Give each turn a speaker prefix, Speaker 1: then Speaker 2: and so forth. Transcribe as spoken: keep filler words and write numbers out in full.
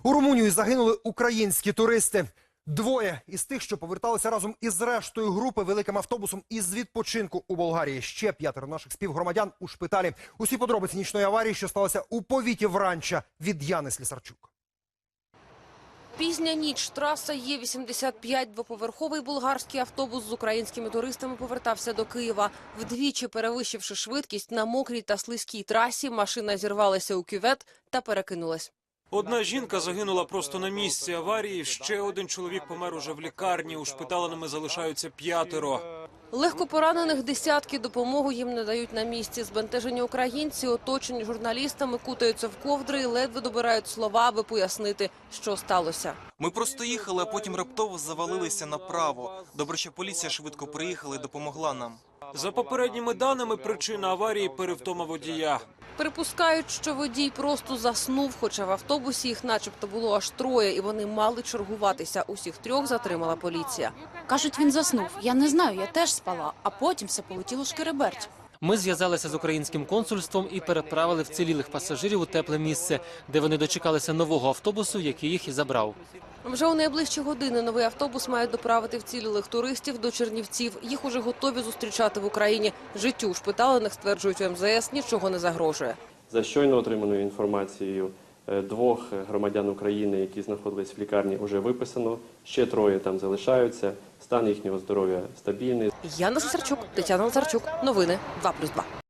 Speaker 1: У Румунії загинули українські туристи. Двоє із тих, що поверталися разом із рештою групи великим автобусом із відпочинку у Болгарії. Ще п'ятеро наших співгромадян у шпиталі. Усі подробиці нічної аварії, що сталося у повіті Вранча, від Яни Слісарчук.
Speaker 2: Пізня ніч, траса Є вісімдесят п'ять, двоповерховий болгарський автобус з українськими туристами повертався до Києва. Вдвічі перевищивши швидкість на мокрій та слизькій трасі, машина зірвалася у кювет та перекинулась.
Speaker 3: Одна жінка загинула просто на місці аварії, ще один чоловік помер уже в лікарні, ушпиталеними залишаються п'ятеро.
Speaker 2: Легко поранених десятки, допомогу їм не дають на місці. Збентежені українці, оточені журналістами, кутаються в ковдри і ледве добирають слова, аби пояснити, що сталося.
Speaker 4: Ми просто їхали, а потім раптово завалилися направо. Добре, що поліція швидко приїхала і допомогла нам.
Speaker 3: За попередніми даними, причина аварії – перевтома водія.
Speaker 2: Припускають, що водій просто заснув, хоча в автобусі їх начебто було аж троє, і вони мали чергуватися. Усіх трьох затримала поліція.
Speaker 5: Кажуть, він заснув. Я не знаю, я теж спала, а потім все полетіло шкереберть.
Speaker 6: Ми зв'язалися з українським консульством і переправили вцілілих пасажирів у тепле місце, де вони дочекалися нового автобусу, який їх і забрав.
Speaker 2: Вже у найближчі години новий автобус має доправити вцілілих туристів до Чернівців. Їх уже готові зустрічати в Україні. Життю ушпиталених, стверджують у ем зе ес, нічого не загрожує.
Speaker 7: За щойно отриманою інформацією, двох громадян України, які знаходились в лікарні, вже виписано. Ще троє там залишаються. Стан їхнього здоров'я стабільний.
Speaker 2: Яна Слісарчук, Тетяна Лазарчук. Новини два плюс два.